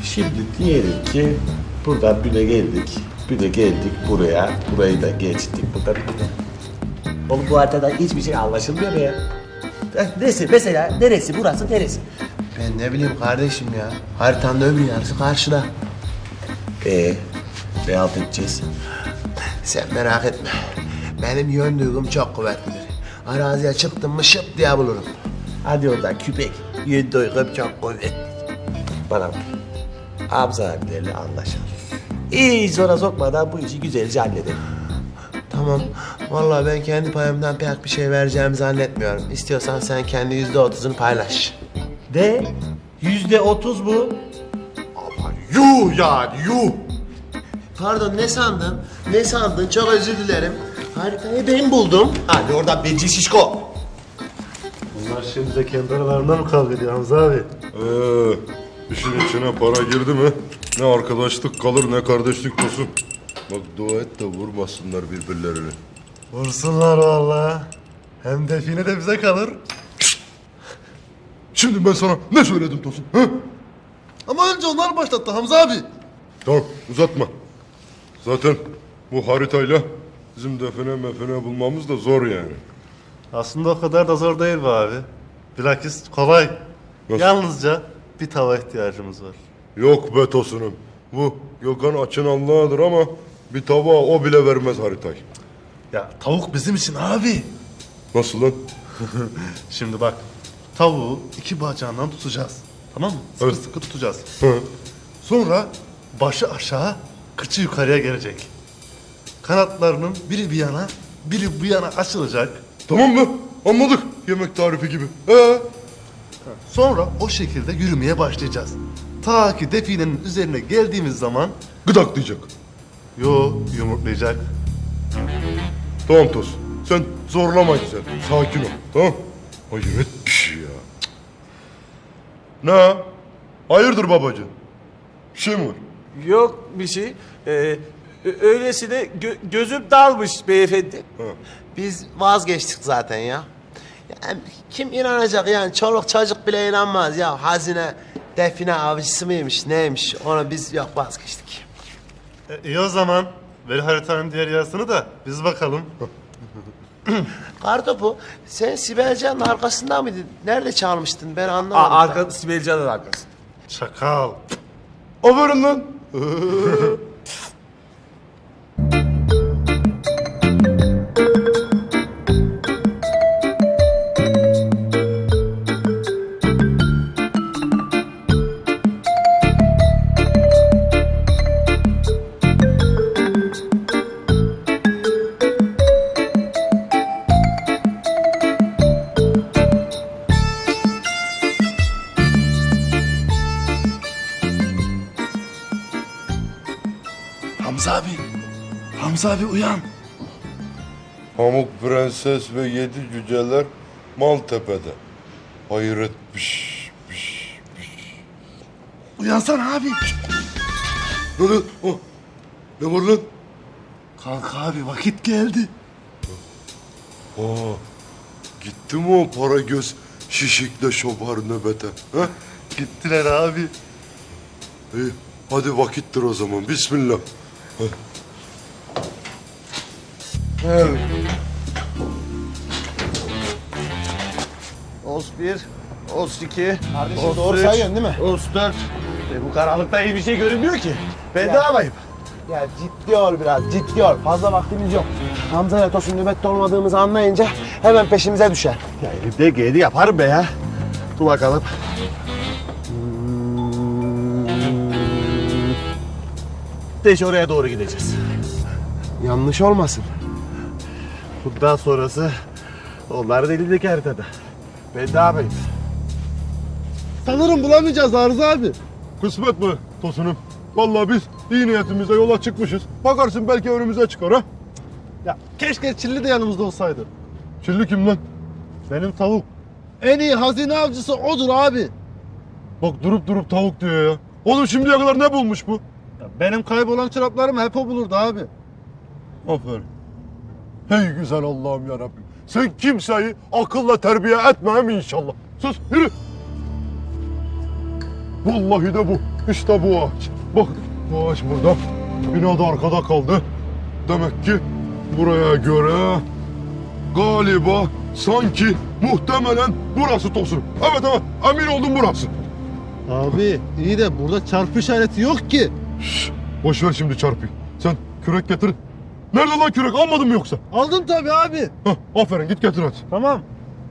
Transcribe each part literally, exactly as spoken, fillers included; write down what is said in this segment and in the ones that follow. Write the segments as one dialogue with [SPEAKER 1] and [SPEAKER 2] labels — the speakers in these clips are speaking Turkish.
[SPEAKER 1] Şimdi diyelim ki buradan bir de geldik. Bir de geldik buraya. Burayı da geçtik. Burada bir de. Oğlum bu haritadan hiçbir şey anlaşılmıyor ya. Eh, Neresi mesela? Neresi? Burası neresi?
[SPEAKER 2] Ben ne bileyim kardeşim ya. Haritanın öbür yarısı karşıda.
[SPEAKER 1] Ee, ne halt edeceğiz?
[SPEAKER 2] Sen merak etme. Benim yön duygum çok kuvvetlidir. Araziye çıktım mı şıp diye bulurum.
[SPEAKER 1] Hadi oradan küpek.
[SPEAKER 2] Yön duygum çok kuvvetli.
[SPEAKER 1] Bana bak. Hamza abilerle anlaşalım. İyi zora sokmadan bu işi güzelce halledelim.
[SPEAKER 2] Tamam. Vallahi ben kendi payımdan pek bir şey vereceğimi zannetmiyorum. İstiyorsan sen kendi yüzde otuzunu paylaş.
[SPEAKER 1] De yüzde otuz bu.
[SPEAKER 2] Yuh yani yuh. Pardon ne sandın? Ne sandın? Çok özür dilerim. Haritayı ben buldum.
[SPEAKER 1] Hadi oradan bence şişko.
[SPEAKER 3] Bunlar şimdi de kendi aralarında mı kavga ediyor Hamza abi?
[SPEAKER 4] Ee, işin içine para girdi mi ne arkadaşlık kalır ne kardeşlik olsun. Bak dua et de vurmasınlar birbirlerini.
[SPEAKER 3] Vursunlar vallahi. Hem define de bize kalır.
[SPEAKER 4] Şimdi ben sana ne söyledim Tosun? He?
[SPEAKER 3] Ama önce onlar başlattı Hamza abi.
[SPEAKER 4] Tamam uzatma. Zaten bu haritayla bizim define mefene bulmamız da zor yani.
[SPEAKER 3] Aslında o kadar da zor değil be abi. Bilakis kolay.
[SPEAKER 4] Nasıl?
[SPEAKER 3] Yalnızca bir tava ihtiyacımız var.
[SPEAKER 4] Yok be Tosun'um. Bu Gökhan açın Allah'adır ama bir tava o bile vermez haritayı.
[SPEAKER 3] Ya tavuk bizim için abi.
[SPEAKER 4] Nasıl lan?
[SPEAKER 3] Şimdi bak. Tavuğu iki bacağından tutacağız. Tamam mı? Sıkı
[SPEAKER 4] Evet.
[SPEAKER 3] sıkı tutacağız.
[SPEAKER 4] Hı.
[SPEAKER 3] Sonra başı aşağı, kıçı yukarıya gelecek. Kanatlarının biri bir yana, biri bu yana açılacak.
[SPEAKER 4] Tamam mı? Anladık. Yemek tarifi gibi. Ee?
[SPEAKER 3] Sonra o şekilde yürümeye başlayacağız. Ta ki definenin üzerine geldiğimiz zaman
[SPEAKER 4] Gıdaklayacak.
[SPEAKER 3] yo yumurtlayacak.
[SPEAKER 4] Tamam Tosun. Sen zorlama güzel. Sakin ol. Tamam. Hayret bir şey ya. Cık. Ne? Hayırdır babacığım? Bir şey mi var?
[SPEAKER 1] Yok bir şey. Ee, ö- öylesine gö- gözüm dalmış beyefendi.
[SPEAKER 2] Biz vazgeçtik zaten ya. Yani kim inanacak yani çoluk çocuk bile inanmaz ya. Hazine define avcısı mıymış neymiş ona biz yok vazgeçtik.
[SPEAKER 3] E, iyi o zaman. Ver haritanın diğer yarısını da biz bakalım.
[SPEAKER 2] Kartopu sen Sibelcan'ın arkasında mıydın? Nerede çalmıştın ben
[SPEAKER 1] Aa,
[SPEAKER 2] anlamadım.
[SPEAKER 1] arka, Sibel Can'ın arkası.
[SPEAKER 3] Çakal.
[SPEAKER 4] Aferin lan.
[SPEAKER 3] Hamza abi. Hamza abi uyan.
[SPEAKER 4] Pamuk Prenses ve yedi cüceler Maltepe'de. Hayret piş piş piş.
[SPEAKER 3] Uyansana abi.
[SPEAKER 4] Ne lan? Oh. Ne var lan?
[SPEAKER 3] Kalk abi vakit geldi.
[SPEAKER 4] Aa, gitti mi o para göz şişikle şobar nöbete? Ha?
[SPEAKER 3] Gittiler abi.
[SPEAKER 4] İyi, hadi vakittir o zaman. Bismillah.
[SPEAKER 1] Os bir, os iki,
[SPEAKER 2] Kardeşim doğru sayıyorsun değil mi?
[SPEAKER 1] os dört. E, bu karanlıkta iyi bir şey görünmüyor ki. Ben ne yapayım?
[SPEAKER 2] Ya ciddi ol biraz ciddi ol. Fazla vaktimiz yok. Hamza ile Tosun nöbette olmadığımızı anlayınca hemen peşimize düşer.
[SPEAKER 1] Ya elimde geldi yaparım be ya. Dur bakalım. Deş oraya doğru gideceğiz.
[SPEAKER 2] Yanlış olmasın.
[SPEAKER 1] Bundan sonrası onların elindeki haritada. Ben ne yapayım?
[SPEAKER 3] Sanırım bulamayacağız Arzu abi.
[SPEAKER 4] Kısmet mi Tosun'um? Vallahi biz iyi niyetimizle yola çıkmışız. Bakarsın belki önümüze çıkar ha.
[SPEAKER 3] Ya keşke Çilli de yanımızda olsaydı.
[SPEAKER 4] Çilli kim lan?
[SPEAKER 3] Benim tavuk. En iyi hazine avcısı odur abi.
[SPEAKER 4] Bak durup durup tavuk diyor ya. Oğlum şimdiye kadar ne bulmuş bu?
[SPEAKER 3] Ya benim kaybolan çoraplarımı hep o bulurdu abi.
[SPEAKER 4] Aferin. Hey güzel Allah'ım ya Rabbim. Sen kimseyi akılla terbiye etmem inşallah. Sus yürü. Vallahi de bu. İşte bu ağaç. Bak bu ağaç burada. Bina da arkada kaldı. Demek ki buraya göre galiba sanki muhtemelen burası Tosun. Evet evet emin oldum burası.
[SPEAKER 3] Abi iyi de burada çarpı işareti yok ki.
[SPEAKER 4] Şşş, boş ver şimdi çarpıyı. Sen kürek getir. Nerede lan kürek almadın mı yoksa?
[SPEAKER 3] Aldım tabii abi.
[SPEAKER 4] Hah, aferin git getir hadi.
[SPEAKER 3] Tamam.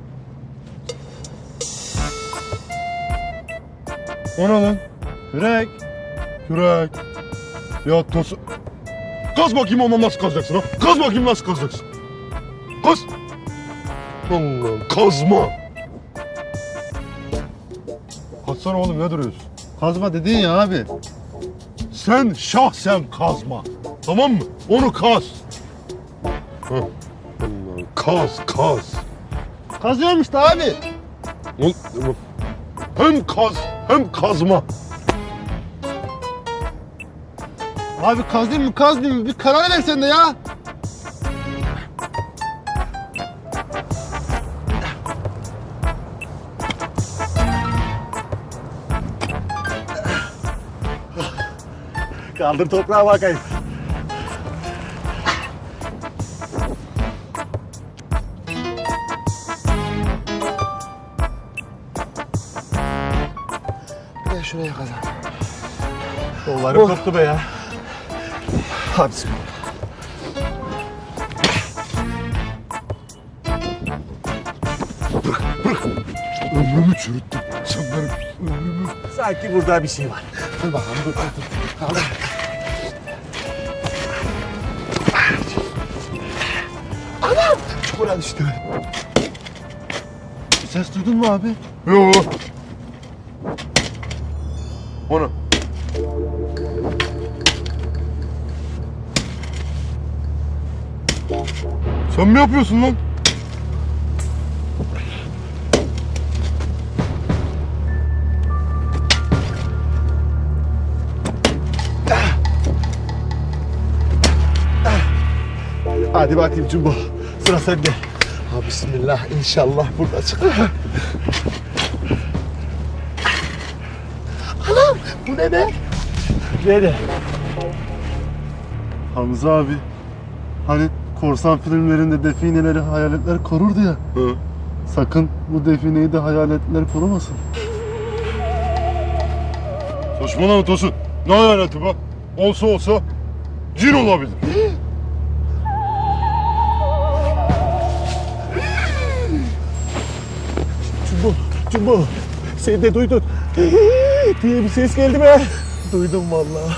[SPEAKER 4] O ne lan?
[SPEAKER 3] Kürek.
[SPEAKER 4] Kürek. Ya Tosun. Kaz bakayım ondan nasıl kazacaksın ha? Kaz bakayım nasıl kazacaksın? Kaz. Allah'ım kazma. Kaçsana oğlum ne duruyorsun?
[SPEAKER 3] Kazma dedin ya abi.
[SPEAKER 4] Sen şahsen kazma. Tamam mı? Onu kaz. Hah. Allah'ım kaz kaz.
[SPEAKER 3] Kazıyorum işte abi.
[SPEAKER 4] Ol- Hem kaz hem kazma.
[SPEAKER 3] Abi kazayım mı kazmayayım mı? Bir karar ver sen de ya.
[SPEAKER 1] Kaldır toprağa bakayım.
[SPEAKER 2] Bir de şuraya kazan.
[SPEAKER 1] Kollarım koptu be ya. Hadi bismillah.
[SPEAKER 4] Ömrümü çürüttün. Sen benim ömrümü...
[SPEAKER 1] Sanki burada bir şey var.
[SPEAKER 2] Dur bakalım dur dur dur. Kaldır. Anam! Çukura düştü.
[SPEAKER 3] Ses duydun mu abi?
[SPEAKER 4] Yo. O ne? Sen mi yapıyorsun lan?
[SPEAKER 1] Hadi bakayım Cumbo. Sıra sende.
[SPEAKER 2] Ha bismillah inşallah burada çıkar. Anam bu ne be?
[SPEAKER 1] Nerede?
[SPEAKER 3] Hamza abi. Hani korsan filmlerinde defineleri hayaletler korurdu ya.
[SPEAKER 4] Hı.
[SPEAKER 3] Sakın bu defineyi de hayaletler korumasın.
[SPEAKER 4] Saçmalama Tosun. Ne hayaleti be? Olsa olsa cin olabilir.
[SPEAKER 1] Cumbo, Cumbo. Sen de duydun. diye bir ses geldi be. Duydum vallahi.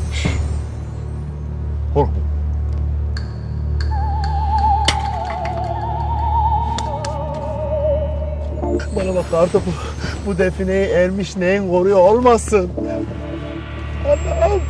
[SPEAKER 4] Korkma.
[SPEAKER 1] Bana bak kartopu. Bu defineyi ermiş neyin koruyor olmasın. Allah'ım.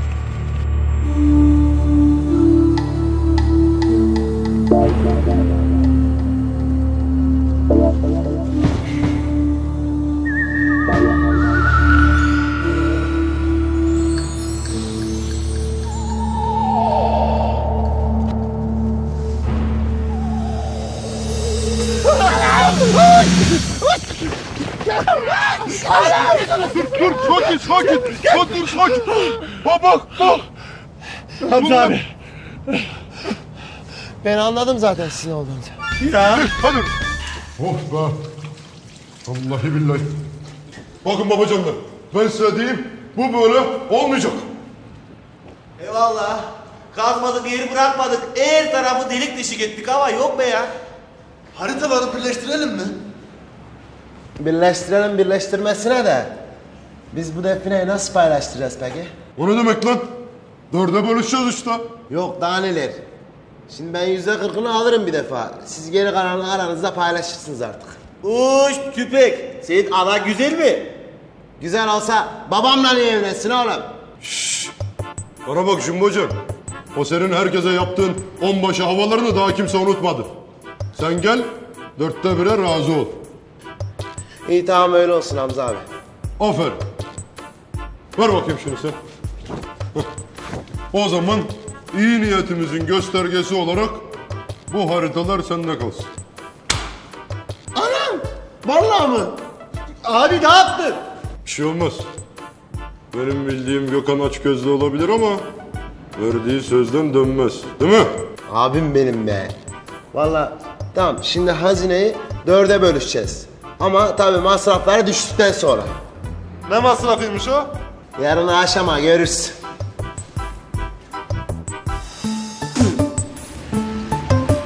[SPEAKER 4] Dur sakin sakin. Dur dur sakin. Bak bak bak.
[SPEAKER 1] Hamza abi.
[SPEAKER 2] Ben anladım zaten sizin olduğunuzu.
[SPEAKER 1] Ya.
[SPEAKER 4] Hadi. Oh be. Vallahi billahi. Bakın babacanlar. Ben size diyeyim. Bu böyle olmayacak.
[SPEAKER 1] Eyvallah. Kazmadık, yer bırakmadık. Her tarafı delik deşik ettik ama yok be ya.
[SPEAKER 3] Haritaları birleştirelim mi?
[SPEAKER 2] Birleştirelim birleştirmesine de. Biz bu defineyi nasıl paylaştıracağız peki?
[SPEAKER 4] O ne demek lan? Dörde bölüşeceğiz işte.
[SPEAKER 2] Yok daha neler. Şimdi ben yüzde kırkını alırım bir defa. Siz geri kalanını aranızda paylaşırsınız artık.
[SPEAKER 1] Uş tüpek. Senin ana güzel mi?
[SPEAKER 2] Güzel olsa babamla niye evlensin oğlum?
[SPEAKER 4] Bana bak Jumbo'cum. O senin herkese yaptığın onbaşı havalarını daha kimse unutmadı. Sen gel, dörtte bire razı ol.
[SPEAKER 2] İyi tamam öyle olsun Hamza abi.
[SPEAKER 4] Aferin. Ver bakayım şunu sen. Hah. O zaman iyi niyetimizin göstergesi olarak bu haritalar sende kalsın.
[SPEAKER 2] Anam! Vallahi mı?
[SPEAKER 1] Abi ne yaptın?
[SPEAKER 4] Bir şey olmaz. Benim bildiğim Gökhan açgözlü olabilir ama verdiği sözden dönmez. Değil mi?
[SPEAKER 2] Abim benim be. Vallahi tamam şimdi hazineyi dörde bölüşeceğiz. Ama tabii masrafları düştükten sonra.
[SPEAKER 3] Ne masrafıymış o?
[SPEAKER 2] Yarın akşama görürsün.